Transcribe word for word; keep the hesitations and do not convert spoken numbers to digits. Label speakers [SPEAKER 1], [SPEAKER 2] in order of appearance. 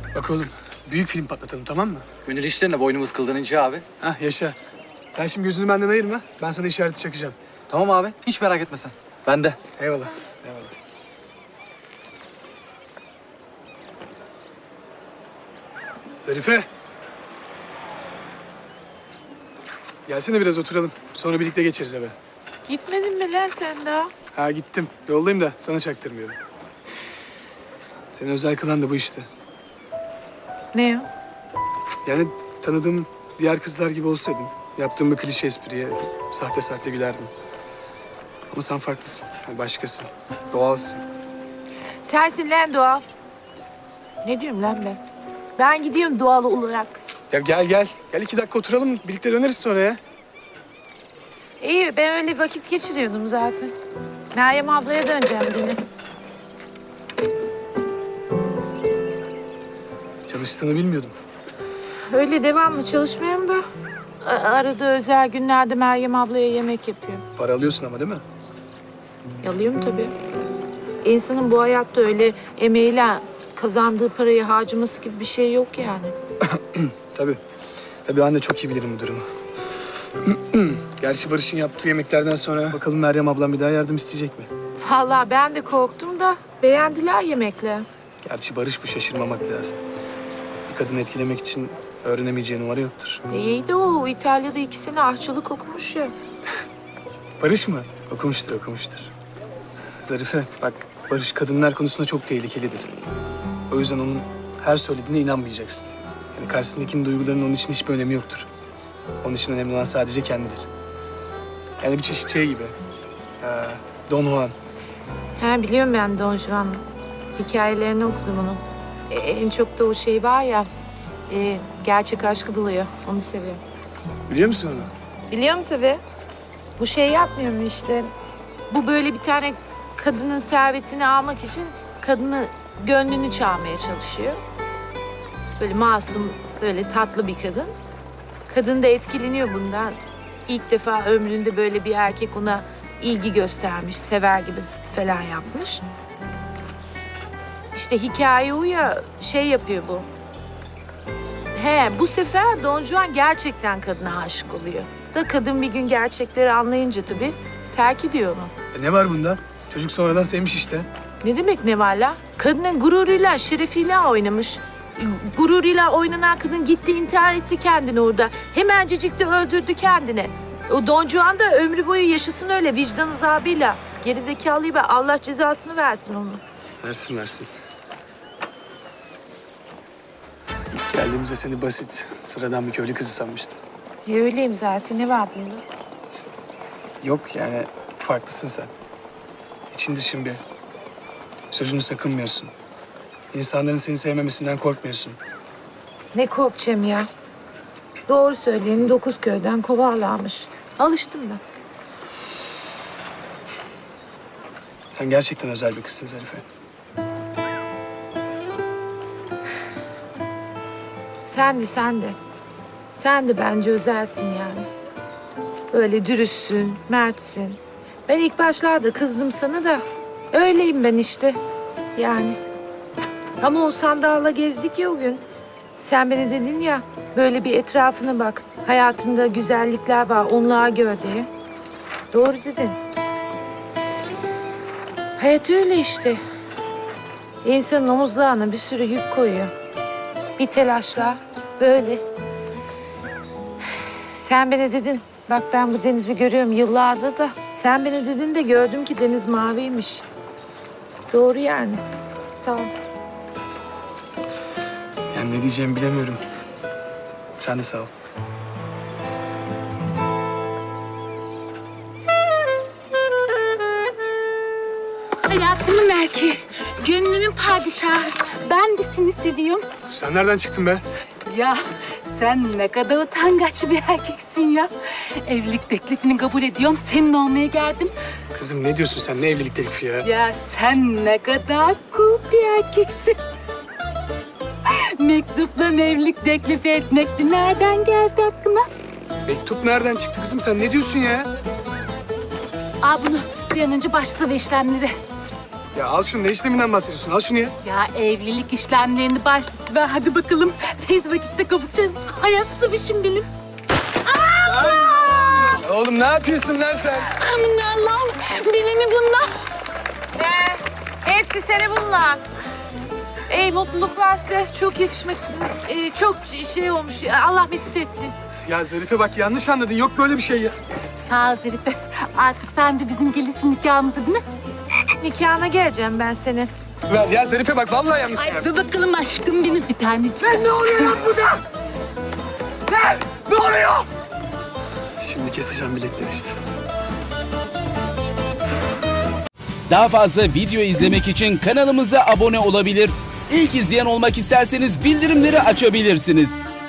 [SPEAKER 1] Bak oğlum, büyük film patlatalım, tamam mı?
[SPEAKER 2] Gönül işlerine boynumuz kıldan ince abi.
[SPEAKER 1] Hah, yaşa. Sen şimdi gözünü benden ayırma. Ben sana işareti çakacağım.
[SPEAKER 2] Tamam abi. Hiç merak etme sen. Ben de.
[SPEAKER 1] Eyvallah, eyvallah. Zarife. Gelsene biraz oturalım. Sonra birlikte geçeriz eve.
[SPEAKER 3] Gitmedin mi lan sen daha?
[SPEAKER 1] Ha gittim. Yoldayım da sana çaktırmıyorum. Seni özel kılan da bu işte.
[SPEAKER 3] Ne o?
[SPEAKER 1] Yani tanıdığım diğer kızlar gibi olsaydın, yaptığım bir klişe espriye sahte sahte gülerdim. Ama sen farklısın. Yani başkasın. Doğalsın.
[SPEAKER 3] Sensin lan doğal. Ne diyorum lan ben? Ben gidiyorum doğal olarak.
[SPEAKER 1] Ya gel gel. Gel iki dakika oturalım. Birlikte döneriz sonra ya.
[SPEAKER 3] İyi, ben öyle vakit geçiriyordum zaten. Meryem ablaya döneceğim yine.
[SPEAKER 1] Çalıştığını bilmiyordum.
[SPEAKER 3] Öyle devamlı çalışmıyorum da. a- Arada özel günlerde Meryem ablaya yemek yapıyorum.
[SPEAKER 1] Para alıyorsun ama değil mi?
[SPEAKER 3] Yalıyorum tabii. İnsanın bu hayatta öyle emeğiyle kazandığı parayı harcaması gibi bir şey yok yani.
[SPEAKER 1] Tabii. Tabii ben de çok iyi bilirim bu durumu. Gerçi Barış'ın yaptığı yemeklerden sonra bakalım Meryem ablam bir daha yardım isteyecek mi?
[SPEAKER 3] Vallahi ben de korktum da beğendiler yemekle.
[SPEAKER 1] Gerçi Barış bu, şaşırmamak lazım. Bir kadını etkilemek için öğrenemeyeceği numara yoktur.
[SPEAKER 3] İyi de o İtalya'da iki sene aşçılık okumuş ya.
[SPEAKER 1] Barış mı? Okumuştur, okumuştur. Zarife, bak Barış kadınlar konusunda çok tehlikelidir. O yüzden onun her söylediğine inanmayacaksın. Yani karşısındakinin duygularının onun için hiçbir önemi yoktur. Onun için önemli olan sadece kendidir. Yani bir çeşit şey gibi. Ee, Don Juan.
[SPEAKER 3] He biliyorum ben Don Juan'ı. Hikayelerini okudum onun. E, en çok da o şey var ya, e, gerçek aşkı buluyor. Onu seviyorum.
[SPEAKER 1] Biliyor musun onu?
[SPEAKER 3] Biliyorum tabii. Bu şey yapmıyor mu işte? Bu böyle bir tane kadının servetini almak için kadını gönlünü çalmaya çalışıyor. Böyle masum, böyle tatlı bir kadın. Kadın da etkileniyor bundan. İlk defa ömründe böyle bir erkek ona ilgi göstermiş, sever gibi falan yapmış. İşte hikaye o ya, şey yapıyor bu. He, bu sefer Don Juan gerçekten kadına aşık oluyor. Da kadın bir gün gerçekleri anlayınca tabii terk ediyor onu.
[SPEAKER 1] E ne var bunda? Çocuk sonradan sevmiş işte.
[SPEAKER 3] Ne demek ne var la? Kadının gururuyla, şerefiyle oynamış. Gururuyla oynanan kadın gitti intihar etti kendini orada. Hemencecik de öldürdü kendini. O Don Juan da ömrü boyu yaşasın öyle vicdan azabıyla. Gerizekalıyla Allah cezasını versin onu.
[SPEAKER 1] Versin versin. İlk geldiğimizde seni basit, sıradan bir köylü kızı sanmıştım.
[SPEAKER 3] Ya öyleyim zaten, ne var bunda?
[SPEAKER 1] Yok yani farklısın sen. İçin dışın bir. Sözünü sakınmıyorsun. İnsanların seni sevmemesinden korkmuyorsun.
[SPEAKER 3] Ne korkacağım ya? Doğru söyleyeni dokuz köyden kovarlarmış. Alıştım ben.
[SPEAKER 1] Sen gerçekten özel bir kızsın Zarife.
[SPEAKER 3] Sen de, sen de. Sen de bence özelsin yani. Böyle dürüstsün, mertsin. Ben ilk başlarda kızdım sana da öyleyim ben işte. Yani. Ama o sandalla gezdik ya o gün. Sen bana dedin ya, böyle bir etrafına bak. Hayatında güzellikler var, onları gör diye. Doğru dedin. Hayat öyle işte. İnsanın omuzlarına bir sürü yük koyuyor. Bir telaşla böyle. Sen bana dedin, bak ben bu denizi görüyorum yıllardır da. Sen bana dedin de gördüm ki deniz maviymiş. Doğru yani. Sağ ol.
[SPEAKER 1] Yani ne diyeceğimi bilemiyorum. Sen de sağ ol.
[SPEAKER 4] Hayatımın erkeği, gönlümün padişahı. Ben de seni seviyorum.
[SPEAKER 1] Sen nereden çıktın be?
[SPEAKER 4] Ya sen ne kadar utangaç bir erkeksin ya. Evlilik teklifini kabul ediyorum, senin olmaya geldim.
[SPEAKER 1] Kızım ne diyorsun sen? Ne evlilik teklifi ya?
[SPEAKER 4] Ya sen ne kadar cool bir erkeksin. Mektupla evlilik teklifi etmekti. Nereden geldi aklına?
[SPEAKER 1] Mektup nereden çıktı kızım? Sen ne diyorsun ya?
[SPEAKER 4] Al bunu, bir an önce başla ve işlemleri.
[SPEAKER 1] Ya al şunu, ne işleminden bahsediyorsun? Al şunu ya.
[SPEAKER 4] Ya evlilik işlemlerini baş... Ve hadi bakalım tez vakitte kavuşacağız. Hayatsızmışım benim.
[SPEAKER 1] Oğlum ne yapıyorsun lan sen?
[SPEAKER 4] Amin Allah'ım. Beni mi bunlar?
[SPEAKER 3] He, hepsi seni bunlar. Ey mutluluklar size. Çok yakışmış. Ee, çok şey olmuş. Allah mesut etsin.
[SPEAKER 1] Ya Zarife bak yanlış anladın. Yok böyle bir şey ya.
[SPEAKER 4] Sağ ol Zarife. Artık sen de bizim gelinsin nikahımıza değil mi?
[SPEAKER 3] Nikahına geleceğim ben senin.
[SPEAKER 1] Ver ya Zarife bak vallahi yanlış
[SPEAKER 4] Ay
[SPEAKER 1] anladın.
[SPEAKER 4] be bakalım aşkım benim. Bir tanecik aşkım.
[SPEAKER 1] Ne oluyor lan burada? Ne? Ne oluyor? Şimdi keseceğim bilekleri işte.
[SPEAKER 5] Daha fazla video izlemek için kanalımıza abone olabilir. İlk izleyen olmak isterseniz bildirimleri açabilirsiniz.